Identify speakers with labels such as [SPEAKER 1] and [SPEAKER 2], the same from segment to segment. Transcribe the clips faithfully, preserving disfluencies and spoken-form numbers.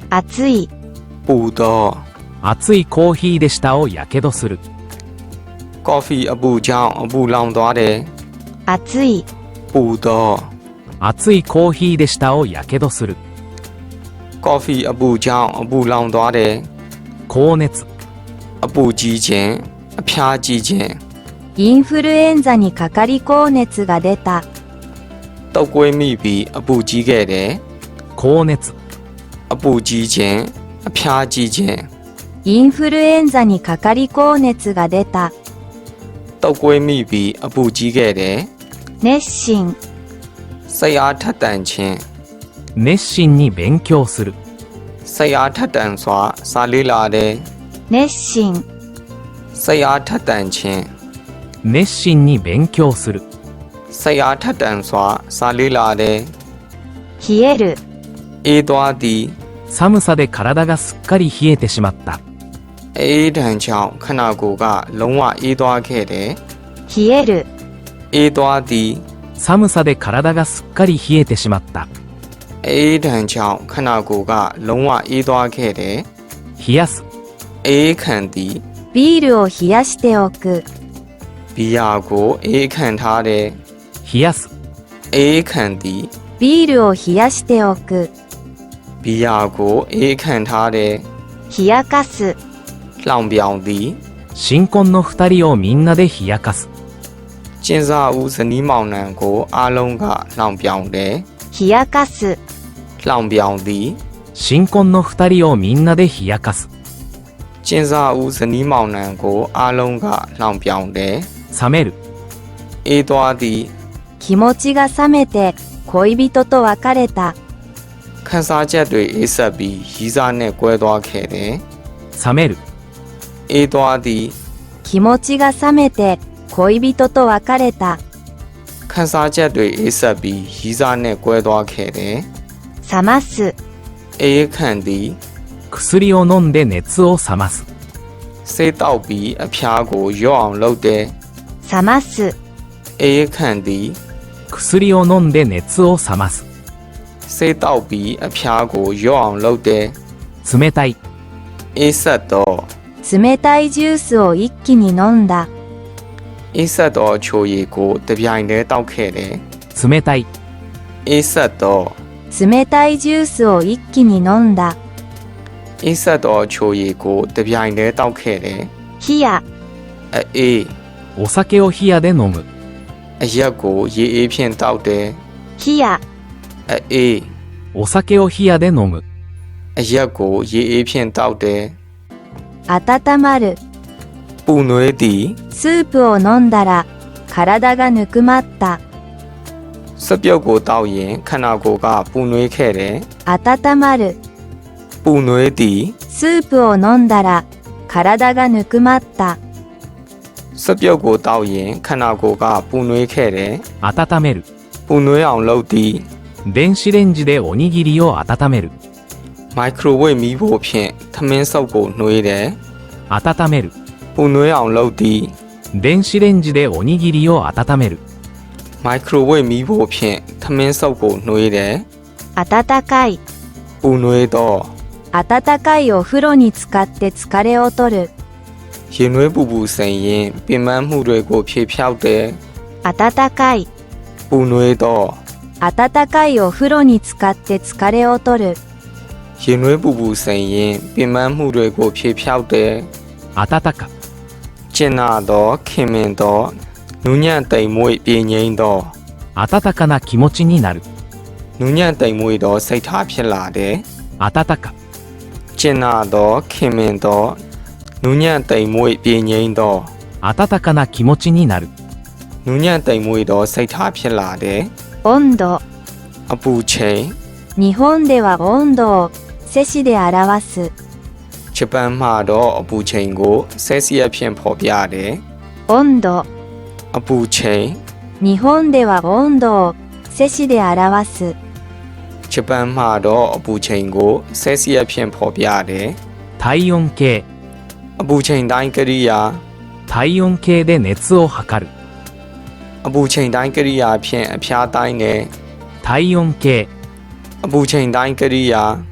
[SPEAKER 1] 熱い、
[SPEAKER 2] ပူသော
[SPEAKER 3] 熱いコーヒーで舌をやけどする。
[SPEAKER 2] ကော်ဖီအပူကြောင့်အပူလောင်သွားတယ်
[SPEAKER 1] 熱い、
[SPEAKER 2] ပူသော
[SPEAKER 3] 熱いコーヒーで舌をやけどする。
[SPEAKER 2] ကော်ဖီအပူကြောင့်အပူလောင်သွားတယ်
[SPEAKER 3] 高熱、
[SPEAKER 2] အပူကြီးခြင်းအဖျားကြီးခြင်း
[SPEAKER 1] インフルエンザにかかり高熱が出た。
[SPEAKER 2] တုပ်ကွေးမိပြီးအပူကြီးခဲ့တယ်
[SPEAKER 3] 高熱、
[SPEAKER 2] အပူကြီးခြင်းအဖျားကြီးခြင်း
[SPEAKER 1] インフルエンザにかかり高熱が出た。
[SPEAKER 2] တုပ်ကွေးမိပြီးအပူကြီးခဲ့တယ်
[SPEAKER 1] 熱心、
[SPEAKER 2] စိတ်အားထက်သန်ခြင်း
[SPEAKER 3] 熱心に勉強する。
[SPEAKER 2] စိတ်အားထက်သန်စွာစာလေ့လာတယ်
[SPEAKER 1] 熱心、
[SPEAKER 2] စိတ်အားထက်သန်ခြင်း
[SPEAKER 3] 熱心に勉強する。
[SPEAKER 2] စိတ်အားထက်သန်စွာစာလေ့လာတယ်
[SPEAKER 1] 冷える、
[SPEAKER 2] အေးသွားသည်
[SPEAKER 3] 寒さで体がすっかり冷えてしまった。
[SPEAKER 2] အေးဒဏ်ကြောင့်ခန္ဓာကိုယ်ကလုံးဝအေးသွားခဲ့တယ်
[SPEAKER 1] 冷える、
[SPEAKER 2] အေးသွားသည်
[SPEAKER 3] 寒さで体がすっかり冷えてしまった。
[SPEAKER 2] အေးဒဏ်ကြောင့်ခန္ဓာကိုယ်ကလုံးဝအေးသွားခဲ့တယ်
[SPEAKER 3] 冷やす、
[SPEAKER 2] အေးခံသည်
[SPEAKER 1] ビールを冷やしておく。
[SPEAKER 2] ဘီယာကိုအေးခံထားတယ်
[SPEAKER 3] 冷やす、
[SPEAKER 2] အေးခံသည်
[SPEAKER 1] ビールを冷やしておく。
[SPEAKER 2] ဘီယာကိုအေးခံထားတယ်
[SPEAKER 1] 冷やかす、
[SPEAKER 2] လှောင်ပြောင်သည်
[SPEAKER 3] 新婚の二人をみんなで冷やかす。
[SPEAKER 2] ကျင်းစာဦးဇနီးမောင်နှံကိုအားလုံးကလှောင်ပြောင်တယ်
[SPEAKER 1] 冷やかす、
[SPEAKER 2] လှောင်ပြောင်သည်
[SPEAKER 3] 新婚の二人をみんなで冷やかす。
[SPEAKER 2] ကျင်းစာဦးဇနီးမောင်နှံကိုအားလုံးကလှောင်ပြောင်တယ်
[SPEAKER 3] 冷める、
[SPEAKER 2] အေးသွားသည်
[SPEAKER 1] 気持ちが冷めて恋人と別れた。
[SPEAKER 2] ခန်းစားချက်တွေအေးဆက်ပြီးရီးစားနဲ့ကွဲသွားခဲ့တယ်
[SPEAKER 3] 冷める、
[SPEAKER 2] အေးသွားသည်
[SPEAKER 1] 気持ちが冷めて恋人と別れた。
[SPEAKER 2] ခန်းစားချက်တွေအေးဆက်ပြီးရီးစားနဲ့ကွဲသွားခဲ့တယ်
[SPEAKER 1] 冷ます、
[SPEAKER 2] အေးခံသည်
[SPEAKER 3] 薬を飲んで熱を冷ます。
[SPEAKER 2] ဆေးတောက်ပြီးအဖျားကိုလျော့အောင်လုပ်တယ်
[SPEAKER 1] 冷ます、
[SPEAKER 2] အေးခံသည်
[SPEAKER 3] 薬を飲んで熱を冷ます。
[SPEAKER 2] ဆေးတောက်ပြီးအဖျားကိုလျော့အောင်လုပ်တယ်
[SPEAKER 3] 冷たい、
[SPEAKER 2] အေးဆက်တော့
[SPEAKER 1] 冷たいジュースを一気に飲んだ。
[SPEAKER 2] အေးဆက်တော့ချိုရည်ကိုတပြိုင်တည်းတောက်ခဲ့တယ်
[SPEAKER 3] 冷たい、
[SPEAKER 2] အေးဆက်တော့
[SPEAKER 1] 冷たいジュースを一気に飲んだ。
[SPEAKER 2] အေးဆက်တော့ချိုရည်ကိုတပြိုင်တည်းတောက်ခဲ့တယ်
[SPEAKER 1] 冷や、
[SPEAKER 2] အေး
[SPEAKER 3] お酒を冷やで飲む。
[SPEAKER 2] အရက်ကိုရေအေးဖြင့်တောက်တယ်
[SPEAKER 1] 冷や、
[SPEAKER 2] အေး
[SPEAKER 3] お酒を冷やで飲む。
[SPEAKER 2] အရက်ကိုရေအေးဖြင့်တောက်တယ်
[SPEAKER 1] 温まる。
[SPEAKER 2] ပူနွေးသည်
[SPEAKER 1] スープを飲んだら体がぬくまった。
[SPEAKER 2] စပြုတ်ကိုတောက်ရင်ခန္ဓာကိုယ်ကပူနွေးခဲ့တယ်
[SPEAKER 1] 温まる。
[SPEAKER 2] ပူနွေးသည်
[SPEAKER 1] スープを飲んだら体がぬくまった。
[SPEAKER 2] စပြုတ်ကိုတောက်ရင်ခန္ဓာကိုယ်ကပူနွေးခဲ့တယ်
[SPEAKER 3] 温める、
[SPEAKER 2] ပူနွေးအောင်လုပ်သည်
[SPEAKER 3] 電子レンジでおにぎりを温める。
[SPEAKER 2] မိုက်ခရိုဝေ့မီးဖို့ဖြင့်ထမင်းစုပ်ကိုနှွေးတယ်
[SPEAKER 3] 温める、
[SPEAKER 2] ပူနွေးအောင်လုပ်သည်
[SPEAKER 3] 電子レンジでおにぎりを温める。
[SPEAKER 2] မိုက်ခရိုဝေ့မီးဖို့ဖြင့်ထမင်းစုပ်ကိုနှွေးတယ်
[SPEAKER 1] 温かい。
[SPEAKER 2] ပူနွေးတော့
[SPEAKER 1] 温かいお風呂に浸かって疲れを取る。
[SPEAKER 2] ရေနွေးပူပူစိန်ရင်ပင်ပန်းမှုတွေကိုဖြေဖြောက်တယ်
[SPEAKER 1] 温かい。
[SPEAKER 2] ပူနွေးတော့
[SPEAKER 1] 温かいお風呂に浸かって疲れを取る。
[SPEAKER 2] ရေနွေးပူပူစိန်ရင်ပင်ပန်းမှုတွေကိုဖြေဖြောက်တယ်
[SPEAKER 3] 温か、
[SPEAKER 2] ကျင်နာတော့ခင်မင်တော့နူးညံ့တိမ်မွေ့ပြေငိမ့်တော့
[SPEAKER 3] 温かな気持ちになる。
[SPEAKER 2] နူးညံ့တိမ်မွေ့တော့စိတ်ထားဖြစ်လာတယ်
[SPEAKER 3] 温か、
[SPEAKER 2] ကျင်နာတော့ခင်မင်တော့နူးညံ့တိမ်မွေ့ပြေငိမ့်တော့
[SPEAKER 3] 温かな気持ちになる。
[SPEAKER 2] နူးညံ့တိမ်မွေ့တော့စိတ်ထားဖြစ်လာတယ်
[SPEAKER 1] 温度。
[SPEAKER 2] အပူချိန်
[SPEAKER 1] 日本では温度をセ氏で表す。
[SPEAKER 2] ဂျပန်မှာတော့အပူချိန်ကိုဆဲစီယပ်ဖြင့်ဖော်ပြတယ်
[SPEAKER 1] 温度。
[SPEAKER 2] အပူချိန်
[SPEAKER 1] 日本では温度をセ氏で表す。
[SPEAKER 2] ဂျပန်မှာတော့အပူချိန်ကိုဆဲစီယပ်ဖြင့်ဖော်ပြတယ်
[SPEAKER 3] 体温計、
[SPEAKER 2] အပူချိန်တိုင်းကိရိယာ
[SPEAKER 3] 体温計で熱を測る。
[SPEAKER 2] အပူချိန်တိုင်းကိရိယာဖြင့်အဖျားတိုင်းတယ်
[SPEAKER 3] 体温計、
[SPEAKER 2] အပူချိန်တိုင်းကိရိယာ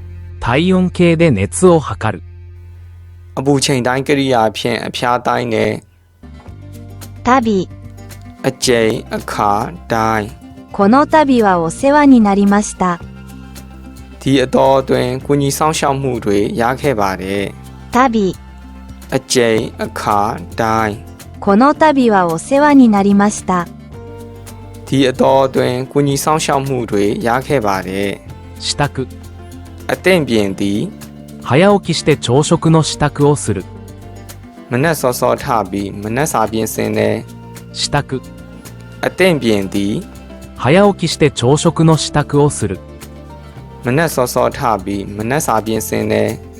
[SPEAKER 3] 体温計で熱を測る。
[SPEAKER 2] အပူချိန်တိုင်းကိရိယာဖြင့်အဖျားတိုင်းနဲ့
[SPEAKER 1] 旅。
[SPEAKER 2] အကျိန်အခါတိုင်း
[SPEAKER 1] この度はお世話になりました。
[SPEAKER 2] ဒီအတော်အတွင်းကုညီဆောင်ရှောက်မှုတွေရခဲ့ပါတယ်
[SPEAKER 1] 旅。
[SPEAKER 2] အကျိန်အခါတိုင်း
[SPEAKER 1] この度はお世話になりました。
[SPEAKER 2] ဒီအတော်အတွင်းကုညီဆောင်ရှောက်မှုတွေရခဲ့ပါတယ်
[SPEAKER 3] 支度。
[SPEAKER 2] အသင့်ပြင်သည်
[SPEAKER 3] 早起きして朝食の支度をする。
[SPEAKER 2] မနက်စောစောထပြီးမနက်စာပြင်ဆင်တဲ့
[SPEAKER 3] 支度。
[SPEAKER 2] အသင့်ပြင်သည်
[SPEAKER 3] 早起きして朝食の支度をする。
[SPEAKER 2] မနက်စောစောထပြီးမနက်စာပြင်ဆင်တဲ့